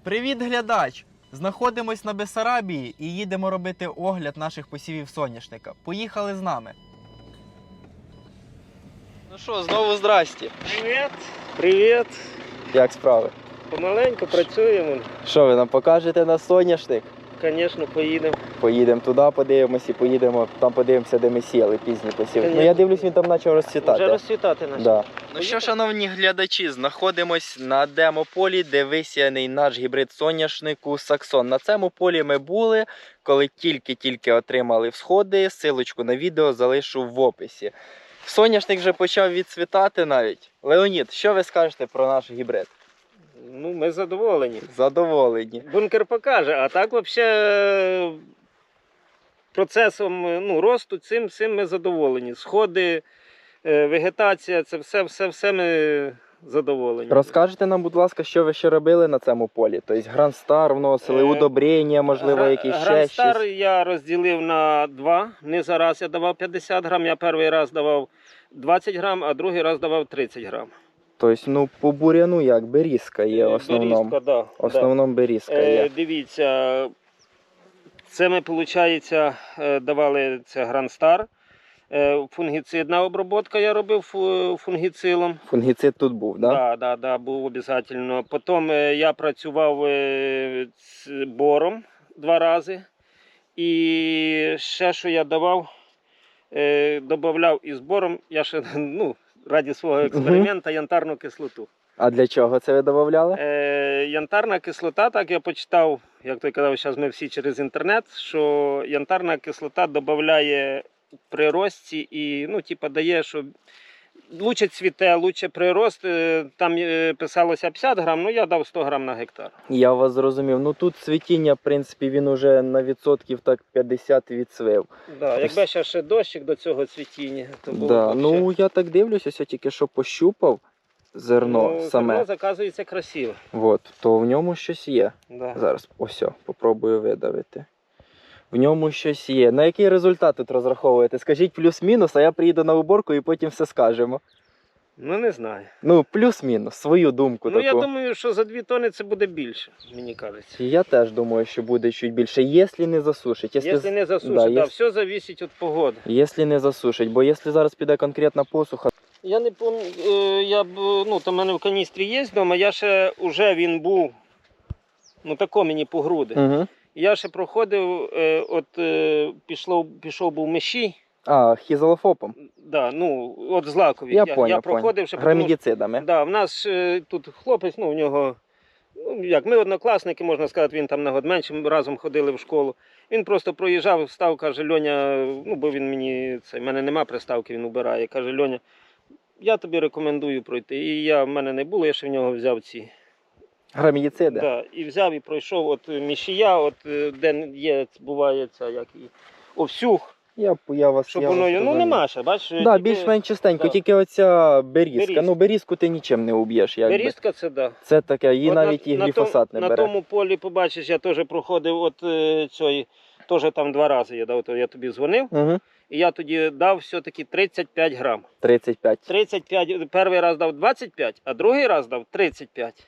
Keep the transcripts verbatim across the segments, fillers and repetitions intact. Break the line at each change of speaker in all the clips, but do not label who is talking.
Привіт, глядач! Знаходимось на Бессарабії і їдемо робити огляд наших посівів соняшника. Поїхали з нами. Ну що, знову здрасті.
Привіт! Привіт!
Як справи?
Помаленьку працюємо.
Що, ви нам покажете на соняшник?
Звісно, поїдемо.
Поїдемо туди, подивимось і поїдемо, там подивимося, де ми сіяли пізні посіви.
Конечно.
Ну я дивлюсь, він там почав розцвітати.
Вже розцвітати наш.
Да. Ну що, шановні глядачі, знаходимось на демополі, де висіяний наш гібрид соняшнику Саксон. На цьому полі ми були, коли тільки-тільки отримали всходи. Силочку на відео залишу в описі. Соняшник вже почав відцвітати навіть. Леонід, що ви скажете про наш гібрид?
Ну, ми задоволені.
Задоволені.
Бункер покаже, а так взагалі процесом ну, росту цим, цим ми задоволені. Сходи, вегетація, це все, все, все ми задоволені.
Розкажете нам, будь ласка, що ви ще робили на цьому полі? Тобто Грандстар вносили, удобрення, можливо, якісь ще
Грандстар
щось?
я розділив на два. Не зараз я давав п'ятдесят грам, я перший раз давав двадцять грам, а другий раз давав тридцять грам.
Тобто, ну, по буряну як, берізка є в основному.
Берізка, да,
В основному берізка
Е,
є.
Дивіться, це ми, виходить, давали це Грандстар. Е, Фунгіцидна обробка я робив фу- фунгіцилом.
Фунгіцид тут був, так? Да?
Да, да, да, був обов'язково. Потім е, я працював е, з бором два рази. І ще, що я давав, е, додавав із бором, я ще, ну, раді свого експерименту, янтарну кислоту.
А для чого це ви додавали?
Е, янтарна кислота, так я почитав, як той казав, зараз ми всі через інтернет, що янтарна кислота додає при рості і, ну, типа, дає, що лучше цвіте, лучше прирост. Е, Там е, писалося п'ятдесят грам, ну я дав сто грам на гектар.
Я вас зрозумів. Ну тут цвітіння, в принципі, він уже на відсотків так п'ятдесят відцвів.
Да, якби ще ще дощик до цього цвітіння, то було
Да.
б вообще.
Ну я так дивлюся, ось я тільки що пощупав зерно
Ну,
саме.
зерно, заказується красиво.
От, то в ньому щось є.
Да.
Зараз ось, попробую видавити. В ньому щось є. На який результат тут розраховуєте? Скажіть плюс-мінус, а я приїду на уборку і потім все скажемо.
Ну не знаю.
Ну, плюс-мінус, свою думку
Ну
таку.
я думаю, що за дві тони це буде більше, мені кажеться.
Я теж думаю, що буде чуть більше, якщо не засушить.
Якщо не засушить,
да,
да,
єс-
все залежить від погоди.
Якщо не засушить, бо якщо зараз піде конкретна посуха,
Я не пам'ятаю, я б, ну там в мене в каністрі є вдома, я ще, уже він був, ну тако мені по груди.
угу.
Я ще проходив, е, от е, пішло, пішов був мещій,
А, хізолофопом.
да, ну, от злакові.
Я,
я,
понял,
я проходив ще, тому що-
Грамідіцидами.
Да, в нас е, тут хлопець, ну, в нього, ну, як, ми однокласники, можна сказати, він там на год менше, ми разом ходили в школу. Він просто проїжджав, встав, каже, Льоня, ну, бо він мені, це, в мене нема приставки, він убирає, каже, Льоня, я тобі рекомендую пройти. І я, в мене не було, я ще в нього взяв ці.
Грамідіциди.
Да, і взяв і пройшов, от мішія, от, е, де є, буває ця, як і овсюх,
Я, я вас,
щоб
я
воно,
вас
ну,
розумію.
нема ще, бачиш.
Да,
тільки
більш-менш чистенько,
да.
тільки оця берізка.
Берізка.
Ну, берізку ти нічим не уб'єш. Якби.
Берізка це, да.
Це таке, її
От
навіть
на,
і гліфосат
на
не
том,
бере.
На тому полі, побачиш, я теж проходив от е, цієї, теж там два рази я дав, то я тобі дзвонив,
Угу.
і я тоді дав все-таки тридцять п'ять грам.
тридцять п'ять.
тридцять п'ять, перший раз дав двадцять п'ять, а другий раз дав тридцять п'ять.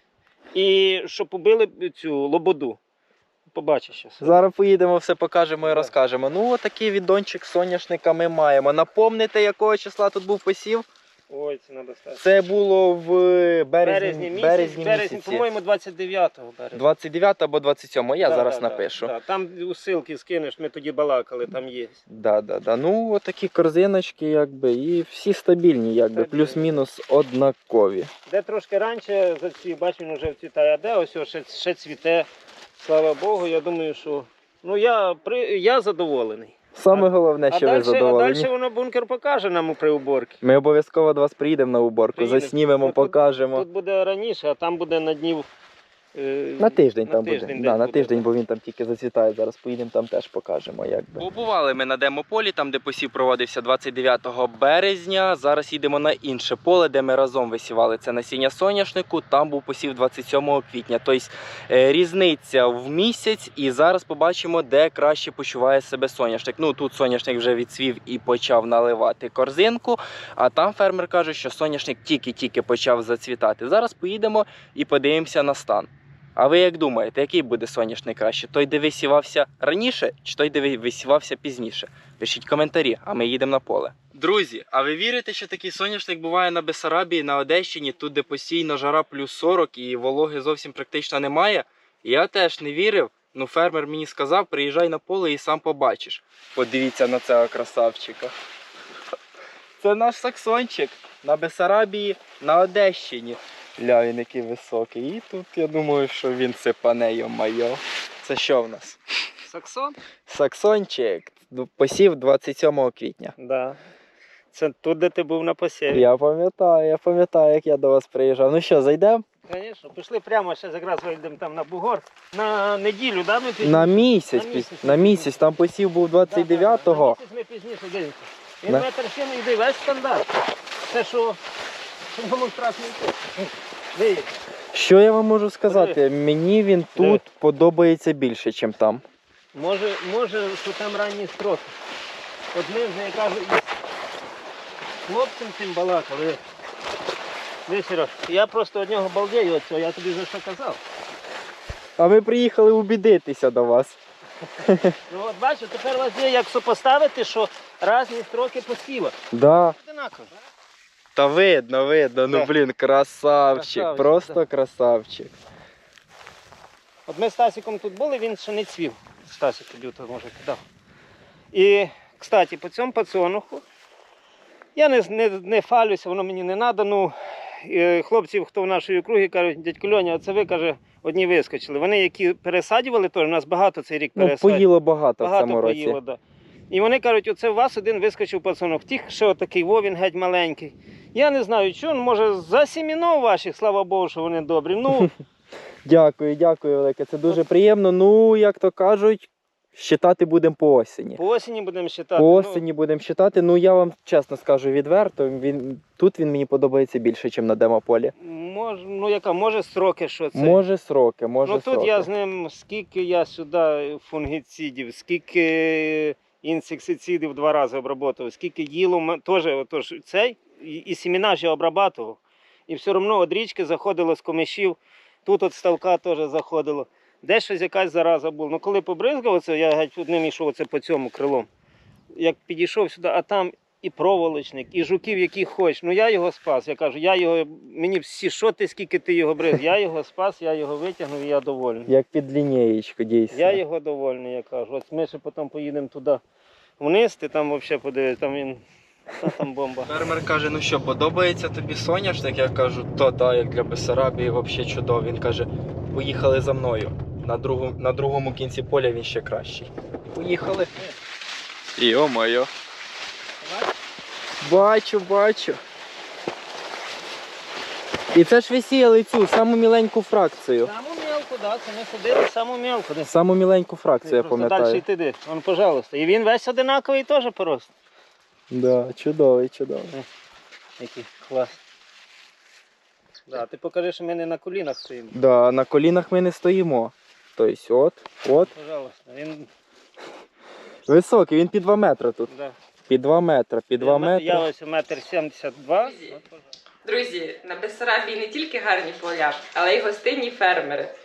І щоб побили цю лободу. Побачиш зараз.
Зараз поїдемо, все покажемо і
Да.
розкажемо. Ну, отакий відончик соняшника ми маємо. Напомните, якого числа тут був посів?
Ой, це треба стати.
Це було в березні,
Березні місяць,
березні
березні,
місяці.
по-моєму, двадцять дев'ятого березня.
двадцять дев'ятого або двадцять сьомого, я
Да,
зараз
да,
напишу.
Да, да. Там усилки скинеш, ми тоді балакали, там є.
Да, да, да. Ну, отакі корзиночки, якби, і всі стабільні, якби,
Стабільні.
плюс-мінус однакові.
Де трошки раніше зацвів, бач, він вже вцвітає, а де ось ось ще, ще цвіте. Слава Богу, я думаю, що ну я при я задоволений.
Саме головне,
А
що ви
далі, а
задоволені.
далі воно бункер покаже нам при уборці.
Ми обов'язково до вас приїдемо на уборку,
Приїдемо.
заснімемо,
Ну, тут-
покажемо.
Тут буде раніше, а там буде на днів. е,
На тиждень
на
там
тиждень
буде.
десь
Да, на
буде,
тиждень,
да.
бо він там тільки зацвітає. Зараз поїдемо, там теж покажемо. Якби. Побували ми на демополі, там де посів проводився двадцять дев'ятого березня. Зараз їдемо на інше поле, де ми разом висівали це насіння соняшнику. Там був посів двадцять сьомого квітня. Тобто е, різниця в місяць, і зараз побачимо, де краще почуває себе соняшник. Ну тут соняшник вже відцвів і почав наливати корзинку, а там фермер каже, що соняшник тільки-тільки почав зацвітати. Зараз поїдемо і подивимося на стан. А ви як думаєте, який буде соняшник краще? Той, де висівався раніше, чи той, де висівався пізніше? Пишіть коментарі, а ми їдемо на поле. Друзі, а ви вірите, що такий соняшник буває на Бессарабії, на Одещині, тут, де постійно жара плюс сорок і вологи зовсім практично немає? Я теж не вірив. Ну, фермер мені сказав, приїжджай на поле і сам побачиш. Подивіться на цього красавчика. Це наш саксончик на Бессарабії, на Одещині. Ля, він який високий. І тут я думаю, що він сипане, йо-майо. Це що в нас?
Саксон?
Саксончик. Посів двадцять сьомого квітня.
Да. Це тут, де ти був на посіві.
Я пам'ятаю, я пам'ятаю, як я до вас приїжджав. Ну що, зайдемо?
Звісно, пішли прямо, ще якраз вийдемо там на бугор. На неділю, да, ми пізніше?
На місяць,
На
піс-
місяць.
на місяць. Там посів був двадцять дев'ятого.
На місяць ми пізніше дивимося. Він
Да.
метр сім йде, весь стандарт. Це що, що було страшно йти. Виїдь.
Що я вам можу сказати? Мені він тут
Диви.
подобається більше, ніж там.
Може, може, що там ранні строки. От ми вже, я кажу, із хлопцем цим балакали. Ви, Сереж, я просто од нього балдею оцього, я тобі за що казав.
А ми приїхали убідитися до вас.
Ну от бачу, тепер у вас є як сопоставити, що різні строки посіва.
Да.
Одинаково.
Та видно, видно. Ну
Да.
блін, красавчик.
Красавчик,
Просто красавчик.
От ми з Стасиком тут були, він ще не цвів. Стасик тоді то може кидав. І, кстати, по цьому пацануху я не, не, не фалюся, воно мені не треба. Ну, і хлопців, хто в нашій округі, кажуть, дядько Льоня, оце ви, каже, одні вискочили. Вони, які пересадювали, теж у нас багато цей рік
Ну,
пересадювали.
поїло багато, в
Багато
цьому році.
поїло, да. І вони кажуть, оце у вас один вискочив пацанок. Тих, що отакий Вовін геть маленький. Я не знаю, що, може, за сімінов ваших, слава Богу, що вони добрі. Ну,
Дякую, дякую, велике. Це дуже приємно. Ну, як то кажуть, щитати будемо по осені.
по осені будемо считати.
По
Ну,
осені будемо щитати. Ну, я вам чесно скажу відверто, він, тут він мені подобається більше, ніж на демополі.
Мож, ну яка, може строки, що це?
Може сроки, може
ну тут
сроки.
я з ним, скільки я сюди фунгіцидів, скільки інсектицидів два рази обработав, скільки їло, м- теж отож, цей, і, і семена ж я обрабатував. І все одно від річки заходило з комишів, тут от ставка теж заходило. Де щось якась зараза була. Ну коли побризгав оце, я геть одним йшов оце по цьому крилом. Як підійшов сюди, а там і проволочник, і жуків, які хочеш. Ну я його спас. Я кажу, я його, мені всі, що ти, скільки ти його бризг. Я його спас, я його витягнув і я довольний.
Як під лінієчку, дійсно.
Я його довольний, я кажу. Ось ми ще потім поїдемо туди вниз, ти там взагалі подивись, там він, та там бомба.
Фермер каже, ну що, подобається тобі соняшник? Я кажу, то да, як для Бессарабії, взагалі чудово. Він каже, поїхали за мною. На, другу, на другому кінці поля він ще кращий. Поїхали. Йо-моє. Бачу, бачу. І це ж висіяли цю, саму міленьку фракцію.
Саму мелку, так, це ми ходили, саму мелку. Де?
Саму міленьку фракцію, я
Просто далі
пам'ятаю.
йти де. Вон, пожалуйста. І він весь одинаковий теж порост.
Да, чудовий, чудовий.
Який клас. Да, ти покажи, що ми не на колінах стоїмо.
Да, на колінах ми не стоїмо. Тобто, от, от.
Пожалуйста. Він,
Високий, він під два метри тут.
да.
Під два метри, під два
Я
метри.
ось метр сімдесят два.
Друзі, на Бессарабії не тільки гарні поля, але й гостинні фермери.